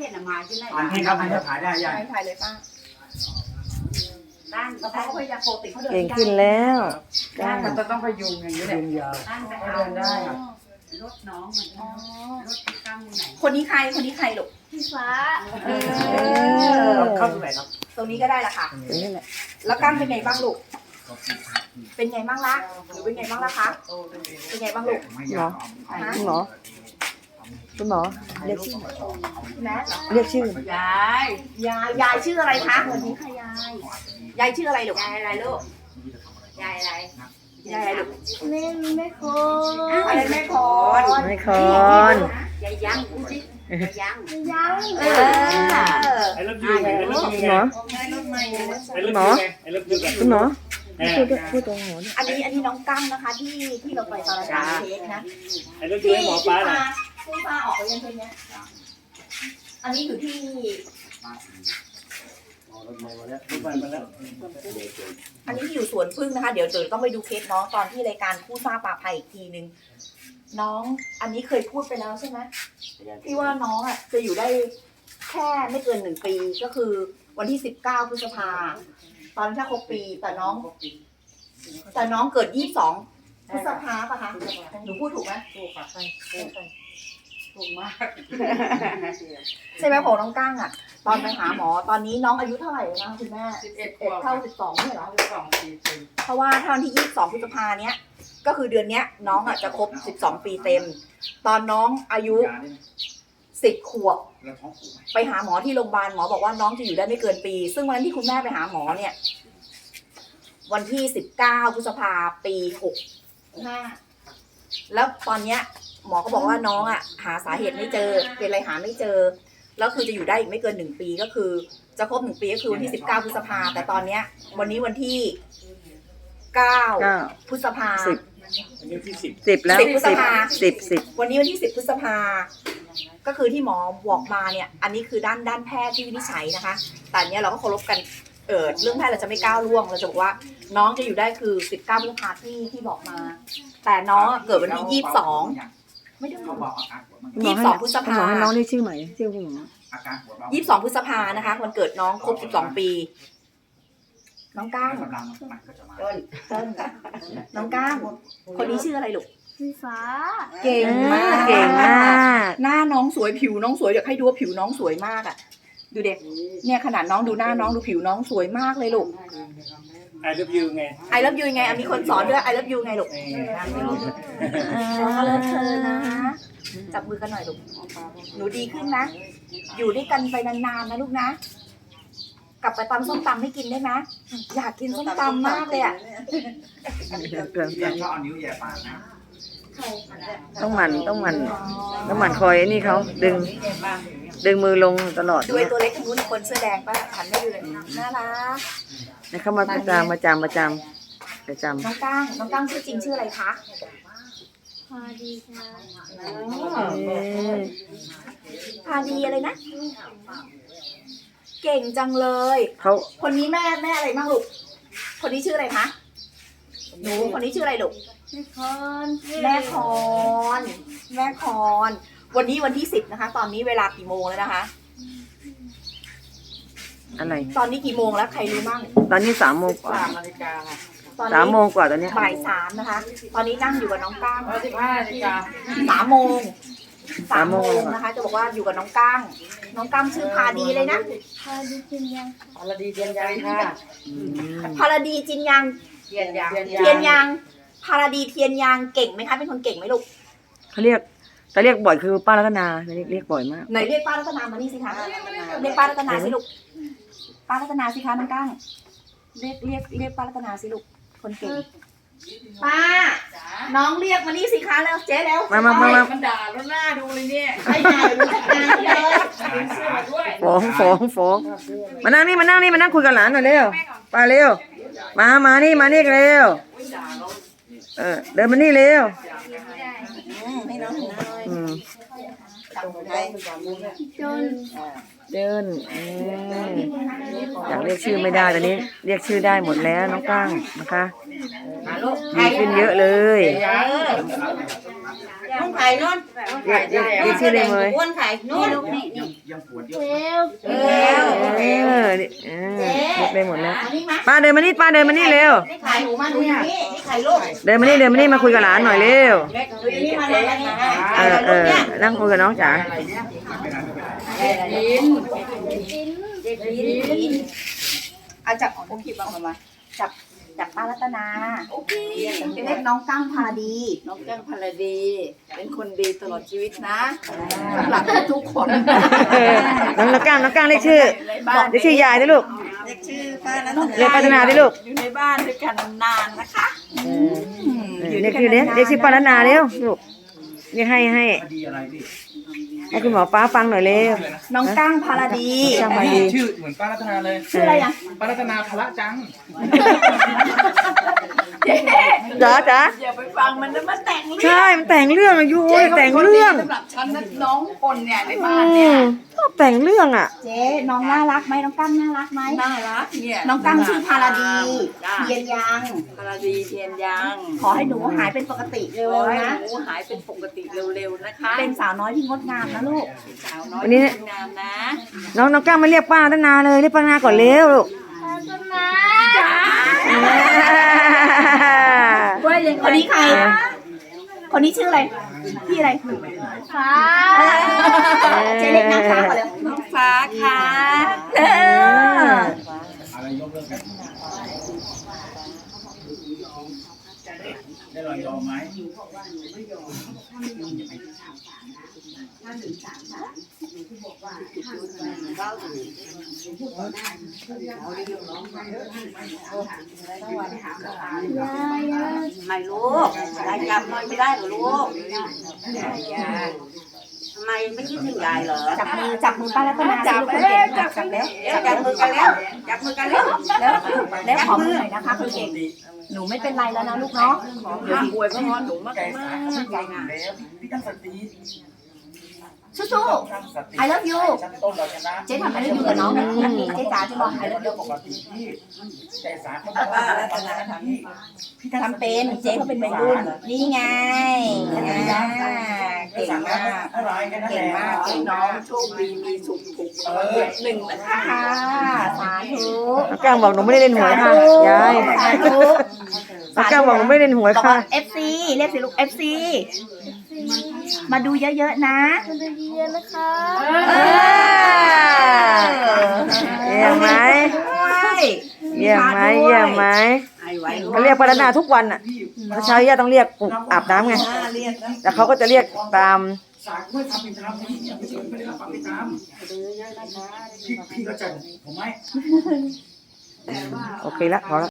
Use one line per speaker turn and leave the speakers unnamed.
ห็นอะมาที่ไหน
อันนี้ครับมันจะถ่ายได้ยัง
ถ่ายเลยป้า
ตั้ง
แล้วเขาก็พยายามโปรติเขาเดิน
เก่งขึ้นแล้ว
ได้มันจะต้องพยุงอย่างนี้แหละยาว
ตั้งไป
เดิ
เอา
นได้อะ
รถน้องมันรถที่ตั้งไหน
คนนี้ใครคนนี้ใครลูก
พี่ฟ้า
เข้าตรงไหนครับ
ตรงนี้ก็ได้ละค่ะ
ตรงนี้แหละ
แล้วกล้ามเป็นไงบ้างลูกเป็นไงบ้างล่ะหรือเป็นไงบ้างล่ะคะเป็นไงบ้างลูก
หมอคุณหมอคุณหมอเรียกชื่อ
แม่
เรียกชื่อ
ยาย
ยายชื่ออะไรคะ
วันนี้ค่ะยาย
ยายชื่ออะไรลูก
ยายอะไรลูกยายอะไร
ยายอะไรลูก
ไม่โค
อะไรแม่คอน
ไม่คอน
ยายยังพูดสิยายยัง
ยัง
เออ
ไอ้รถยูไงไอ้รถยู
คุณ
ไง
หมอ
ไอ้รถยูไงไอ้รถยูไง
คุณหมอ
เออ
พูดตรงหัวเนี่ย
อันนี้น้องกั้งนะคะที่เราไปตอนรายการเค้กนะ
ไอ้รถยูให้หมอปลาหน่อย
พี่ฟ้าออกไปยังเพลงเนี้ยอันนี้อยู่ที่
รถมาแล้วรถมาแล้ว
อันนี้ที่อยู่สวนพึ่งนะคะ เดี๋ยวต้องไปดูเคสน้องตอนที่รายการคู่ซ่าปลาภัยอีกทีนึงน้องอันนี้เคยพูดไปแล้วใช่ไหมที่ว่าน้องอ่ะจะอยู่ได้แค่ไม่เกิน1 ปีก็คือวันที่19 พฤษภาตอนนั้นถ้าครบปีแต่น้องเกิด22 พฤษภาป่ะคะหนูพูดถูกไหม
ถูกค่ะใช่ถูกมาก
ใช่ไหมของน้องก้างอ่ะ ตอนไปหาหมอตอนนี้น้องอายุเท่าไหร่แล้วนะคุณแม่
11
11 เท่า 12เนี่ยเหรอ
12 ปีเต็ม
เพราะว่าถ้าวันที่22 พฤษภาเนี้ยก็คือเดือนเนี้ยน้องอ่ะจะครบ12 ปีเต็ม ตอนน้องอายุ10 ขวบไปหาหมอที่โรงพยาบาลหมอบอกว่าน้องจะอยู่ได้ไม่เกินปี ซึ่งวันนั้นที่คุณแม่ไปหาหมอเนี่ยวันที่19 พฤษภาปี65แล้วตอนเนี้ยหมอก็บอกว่าน้องอ่ะหาสาเหตุไม่เจอเป็นอะไรหาไม่เจอแล้วคือจะอยู่ได้อีกไม่เกิน1 ปีก็คือจะครบ1 ปีก็คือวันที่19 พฤษภาแต่ตอนเนี้ยวันนี้วันที่9 พฤษภา
อันนี้ที่10
10แล้ว
10 พฤษภา
10
วันนี้วันที่10 พฤษภาก็คือที่หมอบอกมาเนี่ยอันนี้คือด้านแพทย์ที่วินิจฉัยนะคะแต่อันเนี้ยเราก็เคารพกันเรื่องแพทย์เราจะไม่ก้าวล่วงเราจะบอกว่าน้องจะอยู่ได้คือ19 พฤษภาที่บอกมา แต่น้องเกิดวันที่22ไม่ได้
เขาบอกอาการปวดมัน
คุณหมอให้
22 พฤษ
คุณ
ภา
หมอให้น้องเรียกชื่อใหม่ชื่อคุณหมอ
อาการปวดเบา
22 พฤษภานะคะวันเกิดน้องครบ12 ปี น้องก้าง
กำลังมันก็จะมา
ต้นน้องก้างคนนี้ชื่ออะไรลูก
พี่ฟ้า
เก่งมาก
เก่งมาก
หน้าน้องสวยผิวน้องสวยเดี๋ยวให้ดูว่าผิวน้องสวยมากอ่ะดูเด็กเนี่ยขนาดน้องดูหน้าน้องดูผิวน้องสวยมากเลยลูก
ไอ้รถยูไง
ไอ love you ไงมีคนสอนด้วยไอ love you ไงลูกเลิฟเธอนะจับมือกันหน่อยลูกหนูดีขึ้นนะอยู่ด้วยกันไปนานๆนะลูกนะกลับไปตำส้มตำให้กินได้ไหมอยากกินส้มตำมากเลยอ่ะ
เรียนชอบเอานิ้วแย่ปากนะ
ต้องหมั่นคอยนี่เขาดึงมือลงตลอด
ดูไอตัวเล็กคนนู้นคนเสื้อแดงป่ะหันไม่ดูเลยน่ารัก
เนี่ยเขามาประจำ
น้องก้างชื่อจริงชื่ออะไรคะ
พอดีค่ะ
พาดีอะไรนะ เก่งจังเลย
เขา
คนนี้แม่อะไรบ้างลูก คนนี้ชื่ออะไรคะ หนูคนนี้ชื่ออะไรลูก
พี่คอน
แม่คอน วันนี้วันที่10นะคะ ตอนนี้เวลากี่โมงแล้วนะคะ
อะไร
ตอนนี้กี่โมงแล้วใครรู้มั่ง
ตอนนี้3 โมงกว่า
3 นาฬิกาค่ะ
ตอน
3 โม
นี้
งกว่าตอนนี้
บ่าย 3นะคะ ตอนนี้นั่งอยู่กับน้องก้าง
15 นาฬิกา
3 โมง3 โมงนะคะ จะบอกว่าอยู่กับน้องก้าง น้องก้างชื่อพาดีเลยนะ
พอดีกินยัง
อรดีเทียนยังค่ะ
พาราดีจินยัง
เทียนยัง
เทียนยังพาราดีเทียนยังเก่งไหมคะ เป็นคนเก่งไหมลูก
เขาเรียกบ่อยคือป้ารัตนาเรียกบ่อยมาก
ไหนเรียกป้ารัตนามานี่สิคะ เรียกป้ารัตนาสิลูก ป้ารัตนาสิคะน้องก้างเรียกป้ารัตนาสิลูก คนเก่ง ป้า น้องเรียกมานี่สิคะแล้วเจ๊แล้ว
มา
มันด่าแล้วหน้าดูเลยเนี่ย
ใช่ไงรู้จักงานเลย
เป็นเสื้อด้วย
ฟ้องมานั่งนี่มานั่งคุยกับหลานหน่อยเร็วป้าเร็วมานี่เร็วเดินมานี่เร็ว
ให้น้องหน่อย
อืม
จับมือไป
จน
เดินอยากเรียกชื่อไม่ได้ตอนนี้เรียกชื่อได้หมดแล้วน้องก้างนะคะ
มาลูก
ดีขึ้นเยอะเลย
น้อง
ไข่นู่น
เรียกชื่อเลยเลย
อ้วนไข่นู่นนี่
เร็ว
ได้หมดแล้ว
อันนี้มา
ป้าเดินมานี่ป้าเดินมานี่เร็ว
นี่ไข่หนูมาดูนี่นี่ไข่ลูก
เดินมานี่มาคุยกับหลานหน่อยเร็ว
ดูนี่มาเลยนะ
นั่งคุยกับน้องจ๋า
เอาจับโอเคบ้างมาจับป้ารัตนาเรียกน้องกั้งพาดี
น้องแก้งพลดี เป็นคนดีตลอดชีวิตนะสำหรับทุกคน
น้องก้างเรียกชื่อเรียกชื่อยายด้วยลูก
เรียกชื่อป้ารัตนา
เรียกป้าธนาด้วยลูก
อยู่ในบ้านด้วยกันนานๆนะคะ
เรียกชื่อเรียกชื่อป้าธนาเร็วลูกเรียกให้คุณหมอป้าฟังหน่อยเร็ว
น้องกั้งพาดี
ก้างพาดี
ชื่อเหมือนป้ารัตนาเลย
ชื่ออะไรอ่ะ
ป้ารัตนาพละจัง
จ๋า
อย่าไปฟังมันนะมันแต่งเรื่อง
ใช่มันแต่งเรื่องอายุแต่งเรื่อง
สำหรับฉันนะน้องคนเนี่ยในบ้านเนี่ย
ชอบแต่งเรื่องอ่ะ
เจ๊น้องน่ารักไหมน้องกั้งน่ารักไหม
น่ารักเนี่ย
น้องกั้งชื่อพาราดีเทียนยัง
พลดีเทียนยัง
ขอให้หนูหายเป็นปกติเร็
ขอ
ว
ให้
ๆนะ
หนูหายเป็นปกติเร็วๆนะคะ
เป็นสาวน้อยที่งดงามนะลูก
สาวน้อย
วันนี้
งามนะ
น้องก้างไม่เรียกป้าธนาเลยเรียกป้าธนาก่อนเร็วลูก
ต้นไม้
ว่ายัง
คนนี้ใคร คนนี้ชื่ออะไร พี่อะไร
ฟ้า
เจ๊เล็กนางฟ้าก่อนเลย
น้องฟ้าค่ะ
ได้ลองยอมไหม
ไม่รู้ยายจำไม่ได้หรอลูกทำไมไม่คิดถึงยายเหรอ
จับมือป้ารัตนา
จับ
คน
แล้
เก่ง
วจับ
จับแล้ว
จับมือกันแล้วจับมือกันแล้ว
แล้วขอมือหน่อยนะคะคนเก่ง หนูไม่เป็นไรแล้วนะลูกเนาะ
เดี๋ยวป่วยเพราะนอนหนูมาก
ใจ
มา
สาก เขาใจอยู่แล้วพี่ตั้งสติ
สู้
ตั้งสติ
ๆ I love you
ชั้นต้นเราชนะ
เจ๊ทำ I love you กับน้องนะเจ๊จ๋าจะบอก I love
เรื่
you
องปกติพี่ใจสาเขาบอกว่ารัตนาพี่ตั้งส
ทำ
ติ
เป็นเจ๊เขาเป็นวัยรุ่นนี่ไงเก่งมาก
อะไรกันนั่นแห
เก่ง
ละ
มาก
ให้น้องโชคดีมีสุขถูกหนึ่งนะคะ
ค่ะสาธุ
น้องก้างบอกหนูไม่ได้เล่นหวยค่ะยาย
สาธุ
น้องก้างบอกหนูไม่ได้เล่นหวย
บอก
ค่ะ
ว่า FC เรียกสิลูก FC มาดูเยอะๆนะ
มันจะเย็นนะคะ
เยี่ยมไหมเยี่ยมไหมเขาเรียกป้าธนาทุกวันอ่ะเช้าย่าต้องเรียกปลุกอาบน้ำไงแต่เขาก็จะเรียกตาม
สากไม่ทำเป็นธรรมพี่ไม่ได้รับความเป็นธรรมพี่ก็จะผมไหม
โอเคละพอละ